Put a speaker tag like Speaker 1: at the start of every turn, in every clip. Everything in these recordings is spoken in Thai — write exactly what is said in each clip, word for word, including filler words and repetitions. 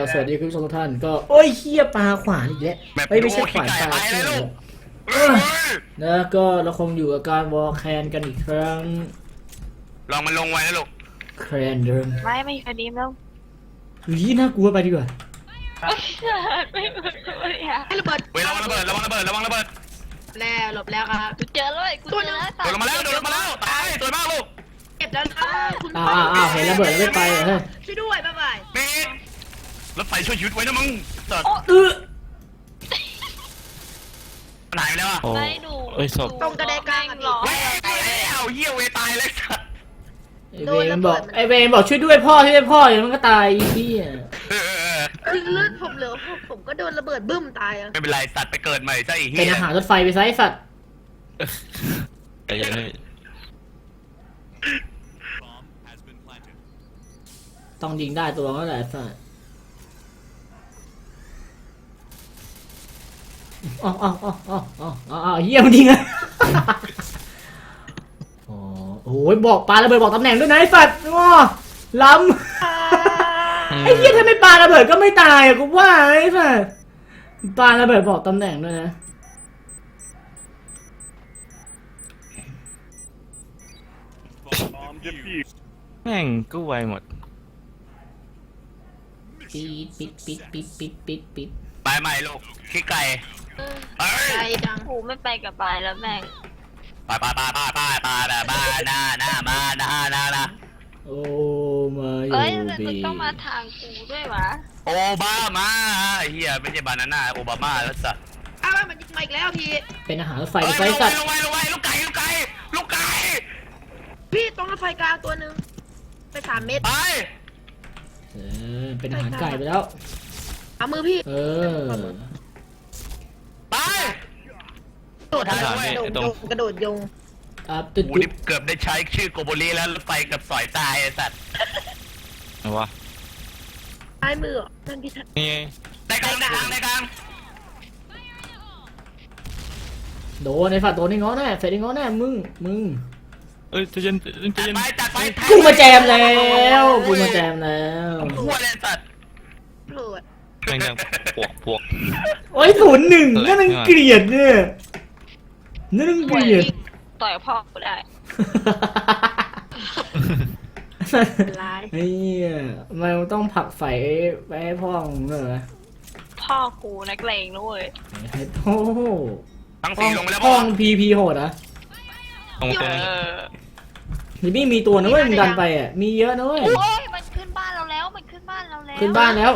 Speaker 1: สวัสดีคุณผู้ชมทุกท่านก็โอ้ยเฮียปลาขวานอีกแล้วเฮ้ยไม่ใช่ขวานปลาใช่ไหมนะก็เราคงอยู่กับการวอลแคนกันอีกครั้ง
Speaker 2: ลองมันลงไว้นะลูก
Speaker 1: แคนเดิม
Speaker 3: ไม่ไม่คดีมแล้ว
Speaker 1: ยี่น่ากลัวไปดีกว่า
Speaker 3: ไม่ไม่ไม่ให้ระเบิด
Speaker 2: เว้ยระวังระเบิดระวังระเบิดระวังระเบิด
Speaker 3: แล้วหลบแล้วครับกูเจอเลยกูเจอแล้ว
Speaker 2: โดนมาแล้วโดนมาแล้วตายสวยมากลูก
Speaker 3: เก็บแล้วคุณ
Speaker 1: อ้าวอ้าวเห็นระเบิดแล้วไม่ไปเหรอเฮ้ย
Speaker 3: ช่วยด้วยบ๊ายบาย
Speaker 2: นี่รถไฟช่วยชีวิตไว้นะมึงสัตว์
Speaker 1: เออ
Speaker 2: หายแล้วอ่ะ
Speaker 3: ไม่ดูตรงกระไดกลางหรอ
Speaker 2: เว้ยเอาเหี้ยเวตายเลยสัตว์
Speaker 1: ไอเวนบอกไอเวนบอกช่วยด้วยพ่อช่วยด้วยพ่ออย่างนั้นก็ตายพี่อ่ะ
Speaker 3: คือเลือดผมเหลือผมก็โดนระเบิดบึ้มตายอ่ะ
Speaker 2: ไม่เป็นไรสัตว์ไปเกิดใหม่ซะอีก
Speaker 1: เป็นอาหารรถไฟไปซะไอสัตว์
Speaker 4: ไอ้ยัง
Speaker 1: ต้องยิงได้ตัวก็แหละสัตว์อ๋ออ๋ออ๋ออ๋ออ๋ออ๋อเยี่ยมจริงอะอ๋อโอ้ยบอกปลาระเบิดบอกตำแหน่งด้วยนะไอ้สัตว์ง้อล้ำไอ้เหี้ยถ้าไม่ปลาระเบิดก็ไม่ตายอะกูว่าไอ้สัตว์ปลาระเบิดบอกตำแหน่งด้วยนะ
Speaker 4: แม่งก็ไวหมด
Speaker 1: ปิดปิดปิดปิดปิดปิดปิด
Speaker 2: ไปใหม่ลูกขี้ไก่
Speaker 3: ไก่ดังหูไม่ไปกับปลายแล้วแม่ง
Speaker 2: ไปไปไปไปไปไปไปหน้าหน้ามาหน้าหน้านะ
Speaker 1: โอ้มา
Speaker 3: เอ้ยมึงต้องมาทางกูด้วยวะ
Speaker 2: โอบามาเฮียไม่ใช่บานาน่าโอบามาแล้วสัตว์
Speaker 3: อ้าวมันยิงมาอีกแล้วพี่
Speaker 1: เป็นอาหารรถไฟไฟสัตว์
Speaker 2: ลงไว้ลงไว้ลูกไก่ลูกไก่ลูกไก่
Speaker 3: พี่ตรงรถไฟกลางตัวหนึ่งไปสามเมตร
Speaker 2: ไป
Speaker 1: เออเป็นอาหารไก่ไปแล้ว
Speaker 3: เอามือพี่
Speaker 1: เออ
Speaker 2: ไป
Speaker 3: กระโดดโยงกระโดดโยง
Speaker 1: อ่ะตึ๊ด
Speaker 2: กูนี่เกือบได้ใช้ชื่อโกโบลีแล้วรถไฟกับสอยตายไอ้สัตว์
Speaker 4: เอาวะ
Speaker 3: ใต้มือนั่นพี่ทัศน์
Speaker 4: นี่
Speaker 2: ในกลางในกลางในกลาง
Speaker 1: โดนไอ้ฝัดโดนไอ้ง้อแน่เสร็จไอ้ง้อแน่มึงมึง
Speaker 4: เอ้ยจะยันจะยัน
Speaker 2: ไปจัดไป
Speaker 1: กูมาแจมแล้วกูมาแจมแล้ว
Speaker 2: หัวเลยสัตว์
Speaker 3: โผล่
Speaker 4: แม่งยังปวกปวก
Speaker 1: โอ้ยศูนย์หนึ่งนั่นมันเกลียดเนี่ยนั่นมันเกลียด
Speaker 3: ต่อยพ่อกูได้
Speaker 1: เฮ้ยมันต้องผลักไฟไปให้พ่อมึงเลย
Speaker 3: พ่อกูนักเลงด้วย
Speaker 1: ไอ้พ่อ
Speaker 2: ทั้งสี่ลงไปแล้ว
Speaker 1: พ่อพีพีโหดอ่ะ
Speaker 4: ตรงตรง
Speaker 1: นี่ไม่มีตัวนะเว้ยมันดันไปอ่ะมีเยอะนะเว้ย
Speaker 3: โอ้ยมันขึ้นบ้านเราแล้วมันขึ้นบ้านเราแล้ว
Speaker 1: ขึ้นบ้านแล้ว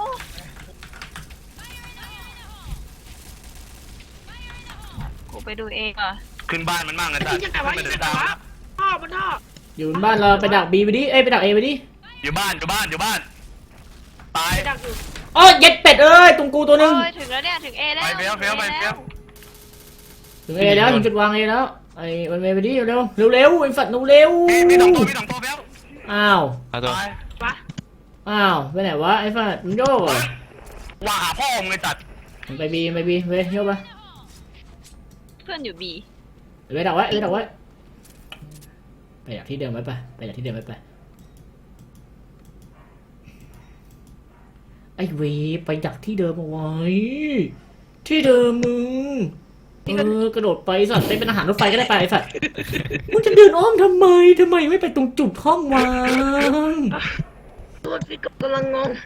Speaker 3: กูไปดูเองอ่ะ
Speaker 2: ขึ้นบ้านมันมั่งนะจ๊ะขึ้นไปตาม
Speaker 3: พ่อมันพ่อ
Speaker 1: อยู่บ้านเราไปดักบีไปดิเอ้ยไปดักเอไปดิ
Speaker 2: อยู่บ้านอยู่บ้านอยู่บ้านตาย
Speaker 1: โอ้ยเย็ดเป็ดเอ้ยตรงกูตัวนึง
Speaker 3: ถึงแล้วเนี่ยถึงเอแล้ว
Speaker 2: ไปเฟี้ยวเฟี้ยวไปเฟี้ยว
Speaker 1: ถึงเอแล้วถึงจุดวางเอแล้วไอ้มันเมย์ไปดิเร็วเร็วเร็วไอ้ฝัดหนูเร็ว
Speaker 2: มีสองตัวมีสองตัวเฟี้ยว
Speaker 1: อ้าว
Speaker 4: ตัว
Speaker 1: อ้าวไปไหนวะไอ้ฝัดมึงโยกเหรอ
Speaker 2: ว่าหาพ่อมึงเลยจัด
Speaker 1: ไปบีไปบีไปโยกไป
Speaker 3: เพื่อนอยู่บี
Speaker 1: ไปดักไว้ไปดักไว้ไปจากที่เดิมไว้ไปไปจากที่เดิมไว้ไปไอ้เวไปจากที่เดิมเอาไว้ที่เดิมมึงเออกระโดดไปสัตว์ไปเป็นอาหารรถไฟก็ได้ไปไอ้สัตว์มึงจะเดินอ้อมทำไมทำไมไม่ไปตรงจุดห้องวาง
Speaker 3: ตัวพี่กำลังงง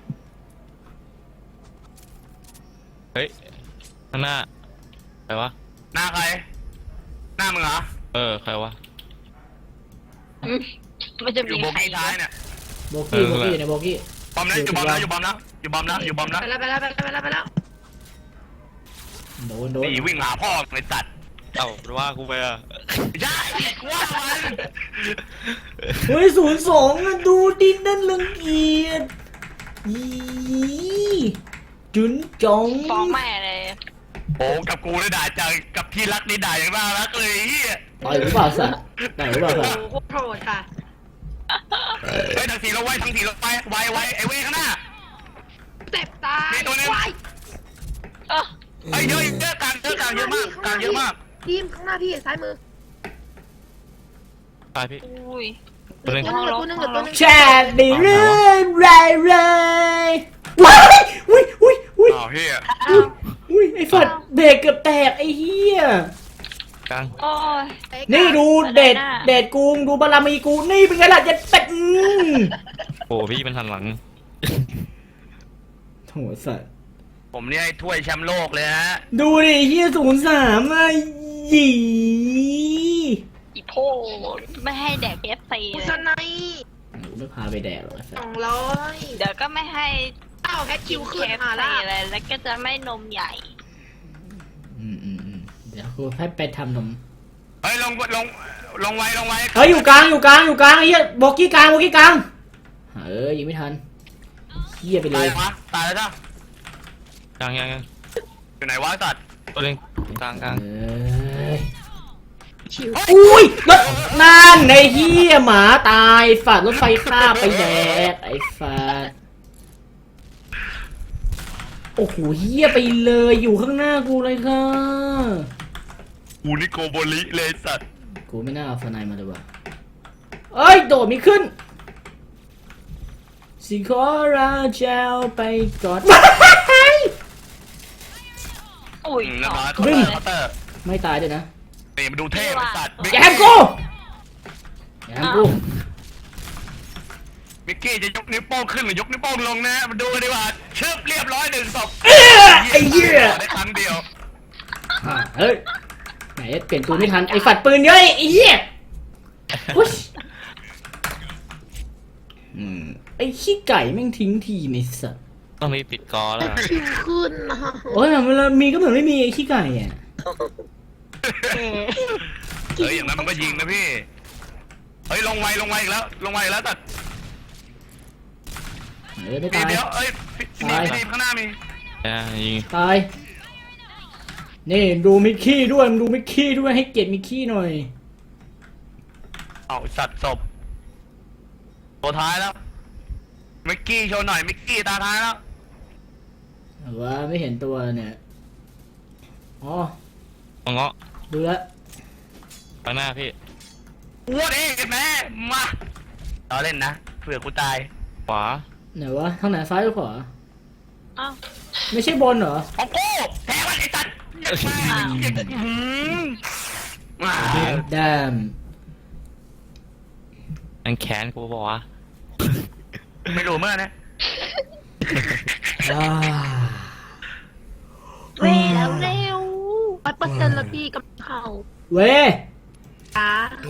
Speaker 4: เฮ้ยข้างหน้าใครวะ
Speaker 2: หน้าใครหน้ามึงเหรอ
Speaker 4: เออใครวะ
Speaker 3: มันจะมี
Speaker 2: โบกี้ท้ายเนี่ย
Speaker 1: โบกี้โบกี้เนี่ยโบกี้
Speaker 2: บอมนะอยู่บอมนะอยู่บอมนะอยู่บอมนะอยู่บอมนะ
Speaker 3: ไปแล้วไปแล้วไปแล้วไปแล้วไปแล้ว
Speaker 1: โดนโดน
Speaker 2: นี่วิ่งหาพ่อในตัด
Speaker 4: เอ้าว่ากูไปอ่ะ
Speaker 2: ใช่ว่ามัน
Speaker 1: เฮ้ยศูนย์สองดูดินนั่นลังเกียจยี่จุนจง
Speaker 3: ฟ้องแม่เลย
Speaker 2: โอ้กับกูได้ด่าจังกับที่รักนี่ด่าอย่างน่ารักเลยเฮีย
Speaker 1: ต่อยหรือเปล่าสัตว์ต่อยหรือเปล่าสัตว์
Speaker 3: โอ้โหโหดค่ะ
Speaker 2: เฮ้ยทั้งทีเราไว้ทั้งทีเราไปไว้ไว้ไอ้เว้ข้างหน้า
Speaker 3: เจ็บตาย
Speaker 2: ตัวนึงไอ้เยอะเยอะกลางเยอะกลางเยอะมากกลางเยอะมาก
Speaker 3: ทีมข้างหน้าพี่ซ้ายมือ
Speaker 4: ตายพี่
Speaker 3: อุ้ย
Speaker 4: ตัวนึง
Speaker 1: แชร์ดีเรื่อยเรื่อยว้ายอุ้ยอุ้ยอุ้ย
Speaker 2: อ้าวเฮีย
Speaker 3: อ้าว
Speaker 1: อุ้ยไอ้ฝัดเบรกเกือบแตกไอ้เหี้ย
Speaker 4: กลาง
Speaker 5: โอ้ย
Speaker 3: ไอ้
Speaker 1: นี่ดู
Speaker 5: อะไร
Speaker 1: เด็ด
Speaker 5: น่ะ
Speaker 1: เด็ดกูดูบารมีกูนี่เป็นไงล่ะเจ็ดเป็ดอืม
Speaker 4: โอ้พี่มันหันหลัง
Speaker 1: โถสัตว์
Speaker 2: ผมเนี่ยไอ้ถ้วยแชมป์โลกเลยฮะ
Speaker 1: ดูดิเฮียศูนย์สามอะหยี
Speaker 5: อีโพไม่ให้แดกเอฟซี
Speaker 3: กุ
Speaker 5: เลย
Speaker 3: ศไน
Speaker 1: ไม่พาไปแดกหรอกไอ้สั
Speaker 3: ส
Speaker 1: ต
Speaker 3: อง
Speaker 1: ว์
Speaker 3: ร้อย
Speaker 5: เดี๋ยวก็ไม่ให้
Speaker 3: อ้าวแฮชคิว
Speaker 5: เค
Speaker 3: ขึ้น
Speaker 5: ฟ
Speaker 3: มา
Speaker 5: ซี
Speaker 3: ละ
Speaker 5: เลยแล้วก็จะไม่นมใหญ่
Speaker 1: อืมอืมอืมเดี๋ยวกูให้ไปทำนม
Speaker 2: เฮ้ยลงลงลงไว้ลงไว้
Speaker 1: เฮ้ยอยู่กลางอยู่กลางอยู่กลางไอ้เหี้ยโบกี้กลางโบกี้กลางเออยิงไม่ทันเหี้ยไปเล
Speaker 2: ตาย
Speaker 1: ย
Speaker 2: วะตายแล้วจ้ะ
Speaker 4: กลางยังยัง
Speaker 2: อยู่ไหนวะสัตว์
Speaker 4: ตัวเล็งกลางกลาง
Speaker 1: เอ้ย
Speaker 3: ชิว
Speaker 1: อุ้ยรถนั่นไอ้เหี้ยหมาตายฝาดรถไฟข้าบไปแดกไอ้ฝาดโอ้โหเหี้ยไปเลยอยู่ข้างหน้ากูเลยค่ะ
Speaker 2: กูนี่โกโบลิเลยสัตว์
Speaker 1: กูไม่น่าเอาสไนมาเลยว่ะเอ้ยโดดไม่ขึ้นสิขอราเจ้าไปกอด
Speaker 5: อุ้ย
Speaker 2: อืมแล้วมา
Speaker 5: ส
Speaker 2: เค
Speaker 5: อง
Speaker 2: า
Speaker 5: ตัว
Speaker 2: น์เตอร์
Speaker 1: ไม่ตายด้วยนะ
Speaker 2: นี่มาดูเท่ไอ้สัตว์
Speaker 1: แกมกูแกมกู
Speaker 2: มิกกี้จะยกนิ้วโป้งขึ้นหรือยกนิ้วโป้งลงนะมาดูกันดีกว่าชึบเรียบร้อยหนึ่งศพ
Speaker 1: เอ้ยไอ้เหี้ย
Speaker 2: ได้ครั้งเดียว
Speaker 1: อ่ะเฮ้ยไหนเปลี่ยนตัวไม่ทันไอ้ฝัดปืนเยอะไอ้เหี้ยอุ๊ยอืมไอ้ขี้ไก่แม่งทิ้งทีมไอ้สัส
Speaker 4: ต้องรีบปิดกอ
Speaker 3: แฮ
Speaker 4: แล้ว
Speaker 3: ชคิวขึ้นนะ
Speaker 1: โอ้ยเวลามีก็เหมือนไม่มีไอ้ขี้ไก่อ่ะ
Speaker 3: แหม
Speaker 2: เฮ้ยอย่างนั้นมันก็ยิงนะพี่เฮ้ยลงไวลงไวอีกแล้วลงไวอีกแล้วสัตว์
Speaker 1: เออไม่
Speaker 2: เดี๋
Speaker 1: ตาย
Speaker 2: ยวเอ้ยพี่พี่
Speaker 1: ตาย
Speaker 2: พี่ข้างหน้ามี
Speaker 4: อ่ายิง
Speaker 1: ตายนี่ดูมิกกี้ด้วยมึงดูมิกกี้ด้วยให้เกียรติมิกกี้หน่อย
Speaker 2: เอาสัตว์ศพตัวท้ายแล้วมิกกี้โชว์หน่อยมิกกี้ตาท้ายแล้ว
Speaker 1: แต่ว่าไม่เห็นตัวเนี่ยอ๋อ
Speaker 4: มังเงาะ
Speaker 1: ดูแลว
Speaker 4: ไปหน้าพี่
Speaker 2: อ้วนเองแม่มาเราเล่นนะเผื่อกูตาย
Speaker 4: ขวา
Speaker 1: ไหนวะทางไหนซ้ายหรือขวา
Speaker 5: อ้าว
Speaker 1: ไม่ใช่บนเหรอ
Speaker 2: ของกูแทงมันไอ้สัตว์อืมมา
Speaker 1: ดาม
Speaker 4: อันแขนกูบอกว่า
Speaker 2: ไม่รู้เมื่อนะ
Speaker 1: อ่า
Speaker 3: เร็วเร็วร้อยเปอร์เซ็นต์ละพี่กับเขา
Speaker 1: เว้ย
Speaker 3: จ้า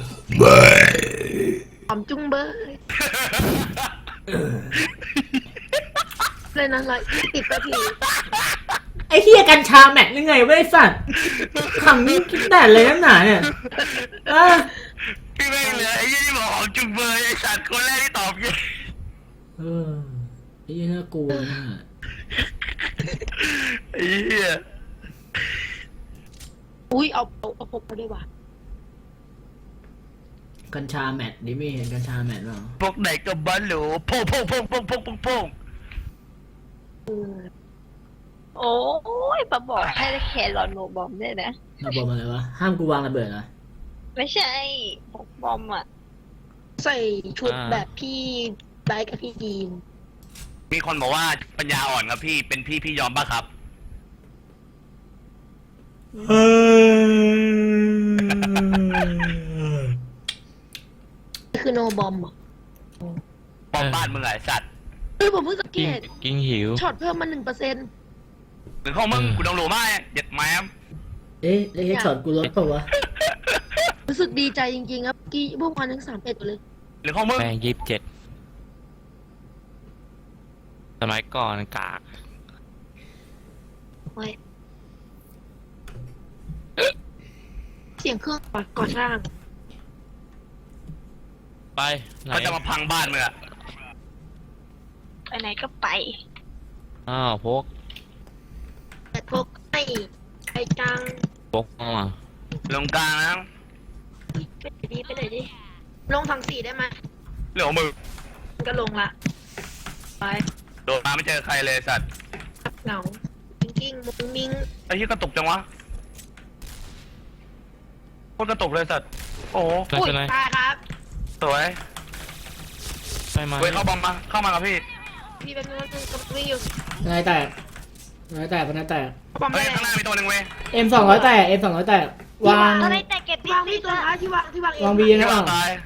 Speaker 3: หอมจุ้งเบยเลยนะร้อยยี่สิบนาที
Speaker 1: ไอ้เฮียกัญชาแม็กยังไงเว้ยสัตว์ขำนี่คิดแต่เลยน้ำหนาเนี่ยอ่ะ
Speaker 2: พี่ไม่เหลือไอ้ยี่ที่บอกของจุงเบยไอ้สัตว์คนแรกที่ตอบยัง
Speaker 1: เออไอ้เหี้ยน่ากลัวนะ
Speaker 2: ไอ้เหี้ย
Speaker 3: อุ้ยเอาเอาเอาพกมาด้วยว่ะ
Speaker 1: กัญชาแมทดิไม่เห็นกัญชาแมทเปล่า
Speaker 2: พวกไหนก็บ้าหลูโพ่งโพ่งโพ่งโพ่งโพ่งโพ่งโพ่ง
Speaker 3: เออ
Speaker 5: โอ้ยมาบอกให้แครอนโนบอมด้วยนะ
Speaker 1: เราบอกมาเลยวะห้ามกูวางระเบิดนะ
Speaker 5: ไม่ใช่พกบอมอ่ะ
Speaker 3: ใส่ชุดแบบพี่ไบค์กับพี่ยีน
Speaker 2: มีคนบอกว่าปัญญาอ่อนครับพี่เป็นพี่พี่ยอมป่ะครับ
Speaker 1: เออ
Speaker 3: นี่คือโนบอมอ่ะ
Speaker 2: ปอมบ้านมึงไอ้สัตว์
Speaker 3: เออผมเพิ่งสังเก
Speaker 4: กิ้ง
Speaker 3: ต
Speaker 4: กิ้งหิว
Speaker 3: ช็อตเพิ่มมาหนึ่งเปอร์เซ็นต์
Speaker 2: หรือของมึง
Speaker 4: เออ
Speaker 2: กูต้องรู้มากเด็ดแมม
Speaker 1: เอ๊ะแล้วเฮดช็อตกูลดเปล่าวะ
Speaker 3: รู้สึกดีใจจริงๆครับเมื่อกี้พวกมันทั้งสามเอ็ดเลย
Speaker 2: หรือของมึง
Speaker 4: แม่งยี่สิบเจ็ดสมัยก่อนกาก
Speaker 3: ไว้เสียงเครื่องก่อสร้าง
Speaker 4: ไปไหน
Speaker 2: เขาจะมาพังบ้านมึงอะ
Speaker 5: ไปไหนก็ไป
Speaker 4: อ้าวพก
Speaker 3: แต่พวกไอ้ไอ้จัง
Speaker 4: พกเข้ามา
Speaker 2: ลงกลางนะ
Speaker 3: ไปไหนดีไปไหนดีลงทางสี่ได้ไหม
Speaker 2: เรื่องของมึง
Speaker 3: มันก็ลงละไป
Speaker 2: โดนมาไม่เจอใครเลยสัตว์
Speaker 3: เหงากิ้งกิ้งมุ้งมิ้ง
Speaker 2: ไอ้ที่กระตุกจังวะโคตรกระตุกเลยสัตว์โอ้โห
Speaker 4: ไม่
Speaker 3: อุ้ย
Speaker 4: เป็นไร
Speaker 3: ตายครับ
Speaker 2: สวย
Speaker 4: ไปมา
Speaker 2: เว้ยเข้าบอมมาเข้ามากับพี่
Speaker 3: พี่เป็นคนกำลังวิ่งอยู่
Speaker 1: นายแตกนายแตกนายแตก
Speaker 3: บอม
Speaker 2: เฮ้
Speaker 3: ได้
Speaker 2: ยข้างหน้ามีตัวหนึ่งเว้ย
Speaker 1: เอ็มสองร้อยแตกเอ็มสองร้อยแตกวาง
Speaker 5: อะไรแต่เก็บติด
Speaker 3: วาง
Speaker 5: ติ
Speaker 3: พี่
Speaker 5: ด
Speaker 3: ตัว
Speaker 5: อะ
Speaker 3: ท้ายที่วางที่วางเอง
Speaker 1: วางบี
Speaker 2: ที่
Speaker 1: นะ
Speaker 2: ว่า
Speaker 1: อ่ะ
Speaker 2: ตาย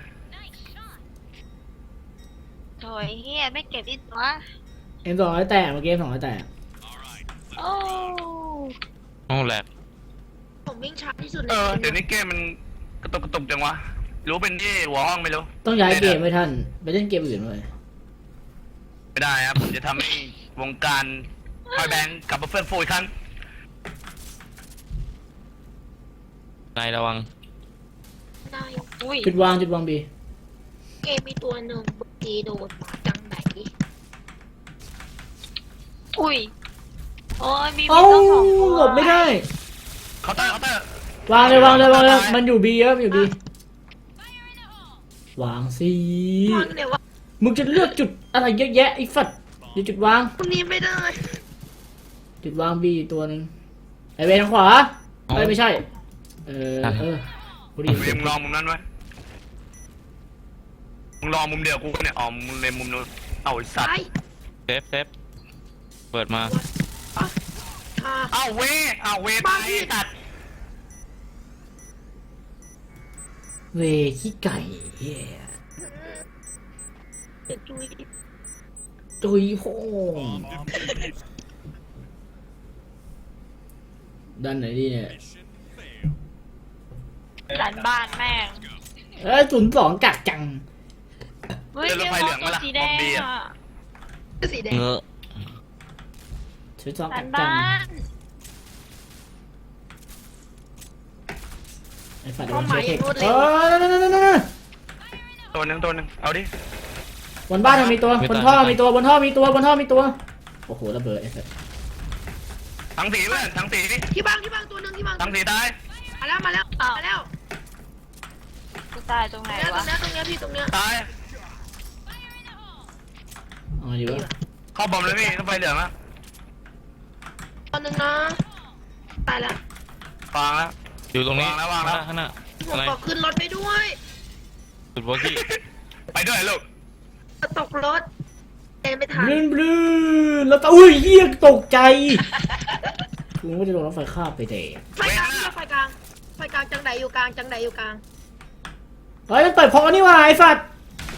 Speaker 5: โถยเฮียไม่เก็บติดวะ
Speaker 1: เอ็มสองร้อยแตกเมื่อกี้เอ็มสองร้อยแตก
Speaker 5: โอ้
Speaker 4: ห้องแลบ
Speaker 3: ผมวิ่งช้าที่สุดใน
Speaker 2: เออ
Speaker 3: เก
Speaker 2: เดี๋ยว
Speaker 3: ม
Speaker 2: นี้เกมมันกระตุกกระตุกจังวะรู้เป็นที่หัวห้องไม่รู้
Speaker 1: ต้องย้ายเกมไม่ทันไปเล่นเกมอื่นเลย
Speaker 2: ไม่ได้ครับผมจะทำให้วงการพอยแบนด์กลับมาเฟื่องฟูอีกครั้ง
Speaker 4: นายระวัง
Speaker 3: ได้
Speaker 5: อุ้ย
Speaker 1: จุดวางจุดวางบี
Speaker 3: เกมมีตัวหนึ่งบุกีโดนมาจังไหน
Speaker 5: อุ้ยโอ้ยมีมี
Speaker 1: เอ้า
Speaker 5: ต้องสองตัว
Speaker 1: หลบไม่ได้
Speaker 2: เคาน์เตอร์เคาน์เตอร์
Speaker 1: วางเลยวางเลยวางเลยมันอยู่บีเยอะมันอยู่บีวางสิ
Speaker 3: วางเนี่ยวะ
Speaker 1: มึงจะเลือกจุดอะไรเยอะแยะไอ้ฝัดเดี๋ยวจุดวาง
Speaker 3: คนนี้ไม่ได้
Speaker 1: จุดวางบีตัวหนึ่งไอเวนทางขวาเอ้ยไม่ใช่ เออเออกูไดี
Speaker 2: มึงลองมุมนั้นไว้มึงลองมุมเดียวกูเนี่ยอ๋อมึงเลยมุมนู้นเอาไอ้สัต
Speaker 3: ไป
Speaker 2: ว์
Speaker 4: เซฟเซฟเปิดมา
Speaker 3: อ่ะ
Speaker 2: เอาเวเอาเวตายตัด
Speaker 1: เวขี้ไก่เหี้ย
Speaker 3: เดี๋ยวจุย
Speaker 1: ตุยโพงด้านไหนดีเนี่ย
Speaker 5: หลานบ้านแม่ง
Speaker 1: เอ้ยศูนย์สองกักจัง
Speaker 5: เฮ้ยเรียกว่าตัวสีแดงอะ
Speaker 3: สีแดง
Speaker 4: เงอะ
Speaker 1: ศูนย์สอง
Speaker 5: หลา
Speaker 1: กั
Speaker 5: น
Speaker 1: กจั
Speaker 5: บ้าง น
Speaker 1: ไอ้ฝัดโดนเชื้อเทคเออนั่นนั่นนั่นนั่น
Speaker 2: ตัวหนึ่งตัวหนึ่งเอาดิ
Speaker 1: บนบ้านมันมีตัวบนท่อมีตัวบนท่อมีตัวบนท่อมีตัวโอ้โหระเบิดไอ้สัส
Speaker 2: ทั้งสีเพื่อนทั้งสี
Speaker 3: ที่บางที่บางตัวหนึ่งที่บาง
Speaker 2: ทั้งสีตาย
Speaker 3: มาแล้วมาแล้วมาแล้ว
Speaker 5: กูตายตรงไหน
Speaker 3: แล้วตร
Speaker 5: วะ
Speaker 3: งเนี้ยตรงเนี้ยพี่ตรงเนี้ย
Speaker 2: ตาย
Speaker 1: เอาอยู่วะ
Speaker 2: เข้าบอมเลยพี่ต้องไฟเหลืองแล้ว
Speaker 3: ตัวหนึ่งนะตายแล้ว
Speaker 2: ฟังแล้ว
Speaker 4: อยู่ตรงนี้
Speaker 2: วางแล้ววางแล้ว
Speaker 4: ข้างหน้า
Speaker 3: ผ
Speaker 4: ข้าง
Speaker 3: ม
Speaker 4: หน้า
Speaker 3: บ
Speaker 4: อะไร
Speaker 3: อกขึ้นรถไปด้วย
Speaker 4: จุดวอกี้
Speaker 2: ไปด้วยลูก
Speaker 3: ตกรถเดินไม่ทัน
Speaker 1: บลื้นบลื้นแล้วก็อุ้ยเหี้ยตกใจกูไม่ได้โดนรถไฟคาบไปเตะ
Speaker 3: ไฟกลางไฟกลางไฟกลางจังไหนอยู่กลางจังไหนอยู่กลาง
Speaker 1: เฮ้ยมันเปิดพอนี่หว่าไอ้สัตว์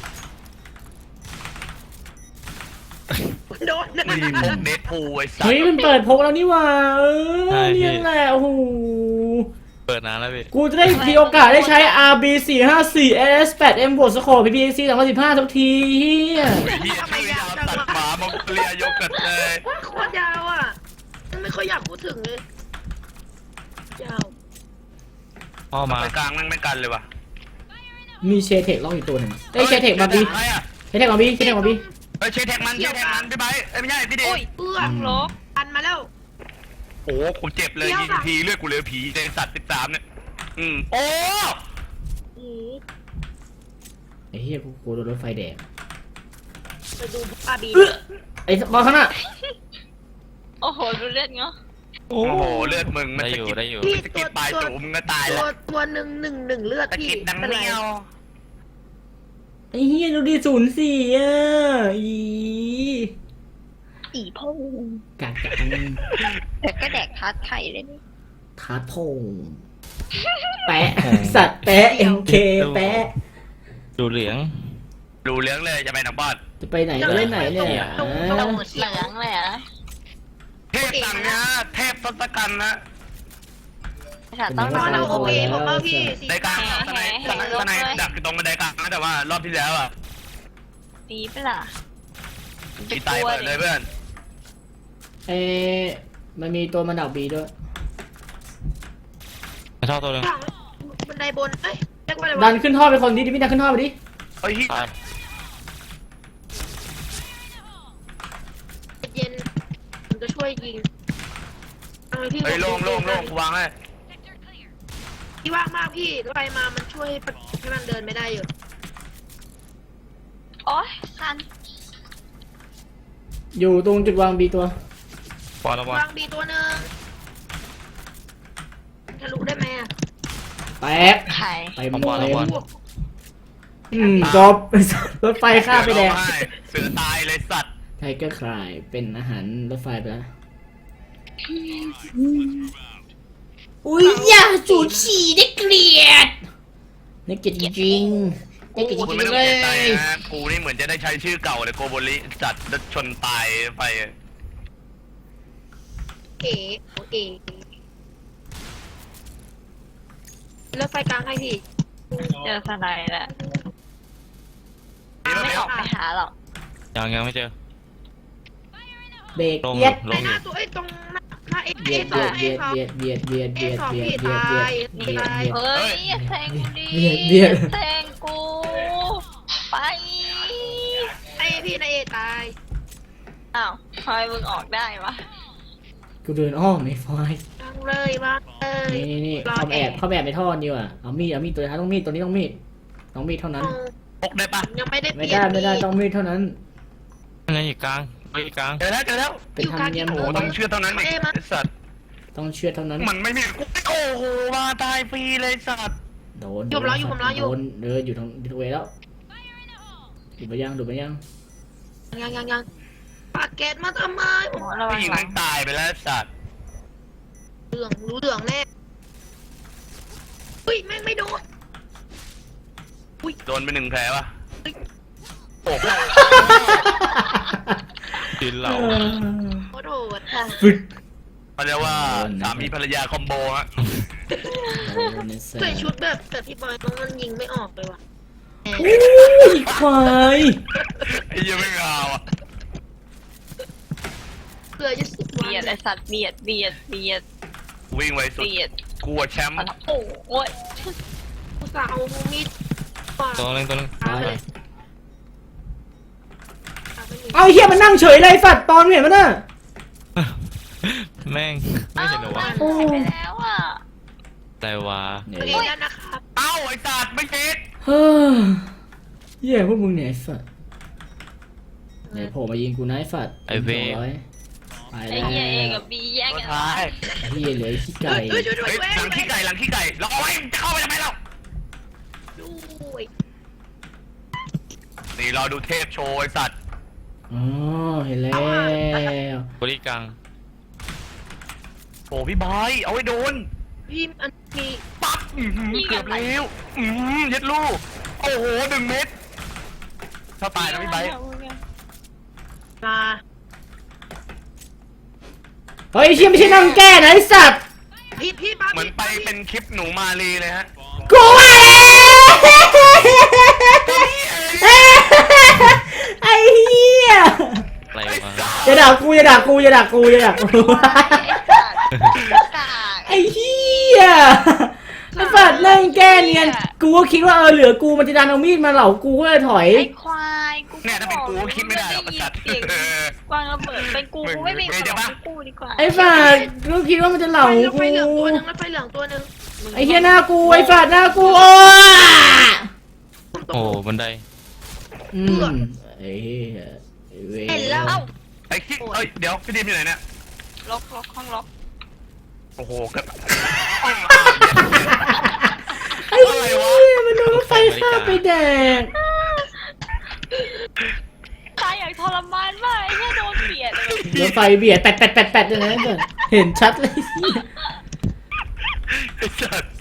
Speaker 3: โดน
Speaker 2: มีพวกเดดพูลไอ้สัต
Speaker 1: เฮ้ย
Speaker 2: ว์
Speaker 1: มันเปิดพกแล้วนี่หว่าเออเนี่ยแหละโอ้โห
Speaker 4: เปิดนานแล้วพี่
Speaker 1: กูจะได้มีโอกาสได้ใช้ อาร์ บี สี่ห้าสี่ เอส แปด เอ็ม บวกสโคป พี พี ซี สองพันสิบห้าทุกทีเฮีย
Speaker 2: ไอ้เหี้ยชื่อยาวตัดหมามองเลียยกกันเลย
Speaker 3: โคตรยาวอ่ะไม่ค่อยอยากพูดถึงเลยยาว
Speaker 4: พ่อมา
Speaker 2: ไปกลางมันไม่กันเลยว่ะ
Speaker 1: มีเชเทคล็อกอีกตัวหนึ่งเอ้ยเชเทคมาบี
Speaker 2: ใครอะ
Speaker 1: เชเทคมาบีเชเทคมาบี
Speaker 2: เฮ้ยเชเทคมันเชเทคมันพี่ไบร์ทเอ้ยไม่ใช่พี่เดช
Speaker 5: อุ้ย
Speaker 3: เอื้อ
Speaker 5: ตั้งลบ
Speaker 3: อันมาแล้ว
Speaker 2: โอ้กูเจ็บเลยยิงทีเลือดกูเหลือผีในสัตว์สิบสามเนี่ยอืมโอ้
Speaker 3: อือ
Speaker 1: ไอ้เฮียกูกูโดนรถไฟแดง
Speaker 3: ไปดูอาบี
Speaker 1: เอ้อไอ้บอลข้างหน้า
Speaker 5: โอ้โหดูเลือดเงาะ
Speaker 2: โอ้โหเลือดมึงมัน
Speaker 4: ได้
Speaker 2: สะ
Speaker 4: อยู่
Speaker 2: กิด
Speaker 4: ได้อยู่
Speaker 2: สะกิดปลายตูมึงก็ตาย
Speaker 3: ตั
Speaker 2: แล้ว ว
Speaker 3: ตัวหนึ่งหนึ่งหนึ่งเลือด
Speaker 2: สะ
Speaker 3: พี่
Speaker 2: กิดดัง
Speaker 3: เป็นไร
Speaker 2: เนี้ยว
Speaker 1: ไอ้เฮียดูดิศูนย์สี่อ่ะอี
Speaker 5: อีพ่อ
Speaker 1: กักจัง
Speaker 5: แต่ก็แดกทัดไข่เลยนี่
Speaker 1: ทาโทงแปะสัตว์แปะเอ็มเคแปะ
Speaker 4: ดูเหลือง
Speaker 2: ดูเลี้ยงเลยจะไปหนังบอด
Speaker 1: จะไปไหนก็เล่นไหนเนี่ย
Speaker 5: ตรงเหลืองเลยอะ
Speaker 2: เทพสั่งนะเทพทศกัณฐ์นะ
Speaker 5: ค่ะต้อง
Speaker 3: ต
Speaker 5: ร
Speaker 3: อ
Speaker 5: อน
Speaker 3: เอาโอ
Speaker 5: ดู
Speaker 3: เคผมเอาพี่สี
Speaker 2: ไดกลางสไนสไนสไนดักอยู่ตรงบันไดกลางนะแต่ว่ารอบที่แล้วอ่ะ
Speaker 5: ปีเปล่า
Speaker 2: กีตายเปิดเลยเพื่อน
Speaker 1: เอ๊ะมันมีตัวมันดักบีด้วย
Speaker 4: ไม่ชอบตัวหนึง
Speaker 3: หลังบันไดบนเอ้ยเรียกว่าอะไร
Speaker 1: ดั
Speaker 3: วะ
Speaker 1: นขึ้นท่อไปคนดิดิพี่ดันขึ้นท่อไปดิ
Speaker 2: เฮ้ย
Speaker 4: ตาย
Speaker 3: เย็นมันจะช่วยยิงเอาเลยพี่
Speaker 2: เฮ้ยโล่งโล่งโล่งวางให้
Speaker 3: พี่ว่างมากพี่ไฟมามันช่วยให้มันเดินไม่ได้อยู่
Speaker 5: โอ๊ยคัน
Speaker 1: อยู่ตรงจุดวางบีตัว
Speaker 4: บอลแล้วบอล
Speaker 3: วางบีตัวหนึ่งทะลุได้ไหมอ่ะ
Speaker 1: แตก
Speaker 5: ไข่
Speaker 1: เต็ม
Speaker 4: บอล
Speaker 1: เต็
Speaker 4: แล้ว
Speaker 1: ม
Speaker 4: บอล
Speaker 1: อืมจบ รถไฟข้ามไปแดง
Speaker 2: เสือร้องไห้เสือตายเลยสัตว์
Speaker 1: ไทเกอร์คลายเป็นอาหารรถไฟไปแล้วอุ้ยอย่าสูดฉี่ได้เกลียดน่าเกลียดจริงๆน่าเกลียดจ
Speaker 2: กู
Speaker 1: ริ
Speaker 2: ไม่
Speaker 1: ง
Speaker 2: ต้
Speaker 1: ๆ
Speaker 2: อง
Speaker 1: เล
Speaker 2: เสียใจ
Speaker 1: ย
Speaker 2: นะกูนี่เหมือนจะได้ใช้ชื่อเก่าเลยโกโบริจัดรถชนตายไป
Speaker 3: เอ๋เอ๋รถไฟกลางให้พี่
Speaker 5: เจอสไนด์แล้ว
Speaker 2: นี่มัน
Speaker 5: ไม่
Speaker 2: ไม่
Speaker 5: อ
Speaker 2: อ
Speaker 5: อ
Speaker 2: อก ก
Speaker 5: ไปหาหรอก
Speaker 4: ยังยังไม่เจอ
Speaker 1: เบรก
Speaker 4: ลง
Speaker 1: เบียด
Speaker 4: ล
Speaker 3: ไอ้
Speaker 4: ง
Speaker 3: ห
Speaker 4: อ
Speaker 3: น้า
Speaker 4: ยู่
Speaker 3: ตัวไอ้ตรงหน้าหน้าเอ
Speaker 1: เบี
Speaker 3: เอย
Speaker 1: ด
Speaker 3: สอง
Speaker 1: เบี
Speaker 3: เอย
Speaker 1: ด
Speaker 3: สอง
Speaker 1: เบียดเบียดเบียดเบียด
Speaker 3: เอ
Speaker 1: เบียด
Speaker 3: สอง
Speaker 1: เบียด
Speaker 3: พี่
Speaker 1: เบียด
Speaker 3: ตาย
Speaker 1: เบียด
Speaker 3: ตาย
Speaker 1: เบียด
Speaker 5: เฮ้ยอย่าแซงกูดิ
Speaker 1: เบียดเบียด
Speaker 5: อาแซงกู ไป
Speaker 3: ไอ้พี่นายเอตาย
Speaker 5: อ้าวทำไมมึงออกได้วะ
Speaker 1: กูเดินอ้อมไม่ไฟ
Speaker 3: วางเลยวางเลย
Speaker 1: นี่นี่นี่เข้าแอบเข้าแอบในท่อนี่ว่ะเอามีดเอามีดตัวท้ายต้องมีดตัวนี้ต้องมีดต้องมีดเท่านั้น
Speaker 2: พกได้ปะ
Speaker 3: ยังไม่ได้เป
Speaker 1: ไม่
Speaker 3: ลี่ยน
Speaker 1: ได้ไม่ได้ต้องมีดเท่านั้น
Speaker 4: นั่นไงอยู่กลางไปกลาง
Speaker 2: เจอแล้วเจอแล้ว
Speaker 1: เป็นธรรมเนียม
Speaker 2: โอ้
Speaker 1: ข
Speaker 2: โห
Speaker 1: อง
Speaker 2: ต้
Speaker 1: มั
Speaker 2: อนงเชื่อเท่านั้นไอ้สัตว์
Speaker 1: ต้องเชื่อเท่านั้น
Speaker 2: มันไม่มีกูโอ้โหมาตายฟรีเลยสัตว์
Speaker 1: โดน
Speaker 3: อยู่ผมรออยู่ผมรออยู่
Speaker 1: โดนเดินอยู่ทางทางเวแล้วดูไปยังดูไปยัง
Speaker 3: ยังยังยังปากแก๊สมาทำไม
Speaker 5: หมอระวั
Speaker 2: ผู้
Speaker 5: ง
Speaker 2: หญิง
Speaker 5: หลั
Speaker 2: นั้
Speaker 5: ง
Speaker 2: นตายไปแล้วสัตว์
Speaker 3: เหลืองรู้เหลืองแน่อุ้ยแม่งไม่โดน
Speaker 2: โดนไปหนึ่งแผลปะโอ้โห
Speaker 4: ยืนเรา
Speaker 3: โคตรโหด
Speaker 1: ฟึด
Speaker 2: เขาเรียกว่าสามีภรรยาคอมโบฮะ
Speaker 1: โดนในแส
Speaker 3: ใส่
Speaker 1: บ
Speaker 3: ชุดแบบแบบพี่บอยมันมันยิงไม่ออกเลยว่ะ
Speaker 1: อุ้ยควาย
Speaker 2: ไอ้เหี้ยังไม่เอาอ่ะ
Speaker 3: เพื่อจะสุดวัน
Speaker 5: เบียดไอสัตว์เบียดเบียดเบียด
Speaker 2: วิ่งไวสุด
Speaker 5: เบียด
Speaker 2: กลัวแชมป์
Speaker 5: โอ้โอ้ย
Speaker 3: กูจะเอามีดปาด
Speaker 4: ตัวนึงตัวนึง
Speaker 3: เอาเลยเอาไปเลย
Speaker 1: เอาไอ้เฮียมันนั่งเฉยเลยสัตว์ตอนเห็นมันน่ะ
Speaker 4: แม่งไม่เห็นเหรอวะ
Speaker 5: อ้าวมันหายไปแล้วอ่ะ
Speaker 4: แต่ว่า
Speaker 1: เนี่ย
Speaker 3: เองแล้วนะครับ
Speaker 2: เอ้าไอ้สัตว์ไม่ติด
Speaker 1: เฮ้ยเหี้ยพวกมึงเนี่ยไอ้สัตว์เนี่ยโผล่มายิงกูนะไอ้สัตว์
Speaker 4: ไอ้เว้ย
Speaker 1: สองร้อยไป
Speaker 5: ไอ้
Speaker 1: แล้ว
Speaker 5: เหี้ยเอกับบีแย่ง
Speaker 2: ตัว
Speaker 5: กัน
Speaker 2: ท้าย
Speaker 1: ไอ้เฮียเหลือไอ้ขี้ไก่
Speaker 3: เฮ้ยช่วยด้วย
Speaker 2: เฮ้ย
Speaker 3: เว้ย
Speaker 2: หลังขี้ไก่หลังขี้ไก่เราเอาไว้จะเข้าไปทำไมเรา
Speaker 3: ด้วย
Speaker 2: นี่เราดูเทพโชว์ไอ้สัตว์
Speaker 1: อ๋อเห็นแล้ว
Speaker 4: บริกลาง
Speaker 2: โอ้พี่บอยเอาไว้โดน
Speaker 3: พี่อันมี
Speaker 2: ปั๊บอื้อหือเกือบแล้วอืมเย็ดลูกโอ้โหหนึ่งเม็ดถ้าตายนะพี่ไบร์ท
Speaker 3: ปลา
Speaker 1: เฮ้ยไอ้เชี่ยไม่ใช่นั่งแก้นะไอ้สัตว์
Speaker 3: พี่พี่ปลา
Speaker 2: เหมือนไปเป็นคลิปหนูมาลีเลยฮะ
Speaker 1: กูว่าแล้วไอ้เหี้ย
Speaker 4: อะไรวะ
Speaker 1: อย่าด่ากูอย่าด่ากูอย่าด่ากูอย่าด่ากู
Speaker 5: กาก
Speaker 1: ไอ้เหี้ยไอ้สัตว์นั่งแก้เนียนกูก็คิดว่าเออเหลือกูมันจะดันเอามีดมาเหล่ากูก็เลยถอย
Speaker 5: ไอ้ควายกู
Speaker 2: เนี่ยถ้าเป็นกูก็คิดไม่ได้หรอกไอ้สัตว์
Speaker 5: เสียงกวางระเบิดเป็นกูกูไม่มีของกูดีกว่า
Speaker 1: ไอ้สัตว์กูคิดว่ามันจะเหล่า
Speaker 3: ไฟ
Speaker 1: กู
Speaker 3: ไฟเหลืองตัวหนึงแล้วไฟเหลืองตัวหนึง
Speaker 1: ไอ้เหี้ยหน้ากูไอ้สัตว์หน้ากูโอ้
Speaker 4: โอ้บันได
Speaker 1: อืมไอ้เหี้ยไอ้เว้ย
Speaker 3: เห็นแล้ว
Speaker 5: เอ้า
Speaker 2: ไอ้คิดเอ้ยเดี๋ยวพี่ดิมอยู่ไหนเนี่ย
Speaker 5: ล็อกล็อกห้องล็อก
Speaker 2: โอ้โหเกับ
Speaker 1: ไอ้เหี้ยมันโดนรถไฟข้ามไปแดก
Speaker 5: ตายอย่างทรมานมากไอ้แค่โดนเบียดเลย
Speaker 1: รถไฟเบียดแปดแปดแปดแปดเลยนะก่อนเห็นชัดเลย
Speaker 2: ไอ้สัตว์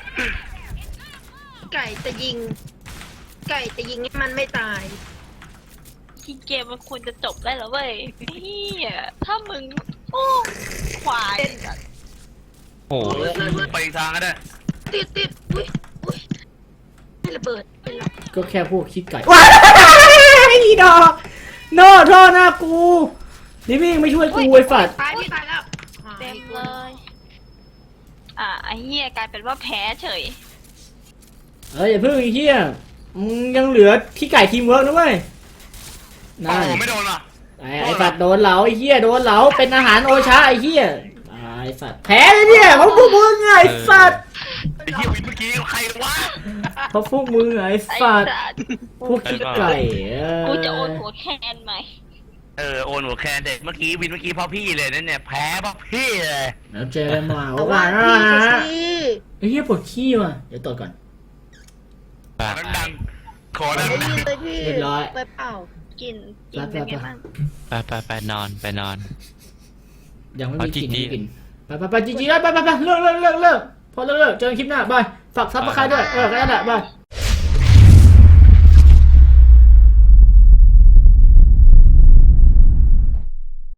Speaker 3: ไก่จะยิง ไก่จะยิงให้มันไม่ตาย
Speaker 5: ที่เกมมันควรจะจบได้แล้วเว้ยเฮียถ้ามึงโอ้ควาย
Speaker 4: โอ้
Speaker 2: โอ้โหไปอีกทางก็ได้
Speaker 3: ติดติดอุ้ยอุ้ยไม่ระเบิดเป็นไร
Speaker 1: ก็แค่พวกคิดไก่ว้ายอีดอกโน่โทษหน้ากูนี่มิ่งไม่ช่วยกูไอ้ฝัด
Speaker 3: ตายพี่ตายแล้ว
Speaker 5: เต็มเลย อ่ะไอ้เฮียกลายเป็นว่าแพ้เฉย
Speaker 1: เอ้ยอย่าเพิ่งไอ้เหี้ยมึงยังเหลือขี้ไก่ทีมเวิร์กนะเว้ย
Speaker 2: โอ้
Speaker 1: นั่น
Speaker 2: โหไม่โดนว่ะ
Speaker 1: ไอ้ไอ้ฝัดโดนเหลาไอ้เหี้ยโดนเหลาเป็นอาหารโอชาไอ้เหี้ยตายฝัดแพ้เลยเนี่ยเพราะพวกมึงไงไอ้ฝัด
Speaker 2: ไอ้เหี้ยวินเมื่อกี้ใครวะ
Speaker 1: เพราะพวกมึงไงไอ้
Speaker 5: ไอ้
Speaker 1: ฝัด
Speaker 5: สัตว์
Speaker 1: พวกขี้ไก่เออ
Speaker 5: กูจะโอนหัวแคนไหม
Speaker 2: เออโอนหัวแคนเด็กเมื่อกี้วินเมื่อกี้พ่อพี่เลยนั่นเนี่ยแพ้พ่อพี่เลย
Speaker 1: แล้วเจอกันมา
Speaker 3: เอา
Speaker 1: ว่า
Speaker 3: ว่า
Speaker 1: นะ
Speaker 3: พี่
Speaker 1: ฮะ
Speaker 3: สิ
Speaker 1: ไอ้เหี้ยปวดขี้ว่ะเดี๋ยวตรวจก่อน
Speaker 4: ปาก
Speaker 2: ดังๆขอ
Speaker 3: ไม่
Speaker 2: ดัง
Speaker 3: ได้ยินเลยพี่
Speaker 1: เรียบร้อย
Speaker 3: ไปเปล่า
Speaker 5: กินกินเป็นไงบ้าง
Speaker 4: ไปไปไปนอนไปนอน
Speaker 1: ยังไม่มีกลิ่น
Speaker 4: เอาจริงๆ
Speaker 1: ไม่มีกลิ่นไปไปไปจีจีไปไปไปไปเลิกเลิกเลิกเลิกพอเลิกเลิกเจอกันคลิปหน้าบายฝากซับสไครต์ด้วยเออแค่นั้นแหละบาย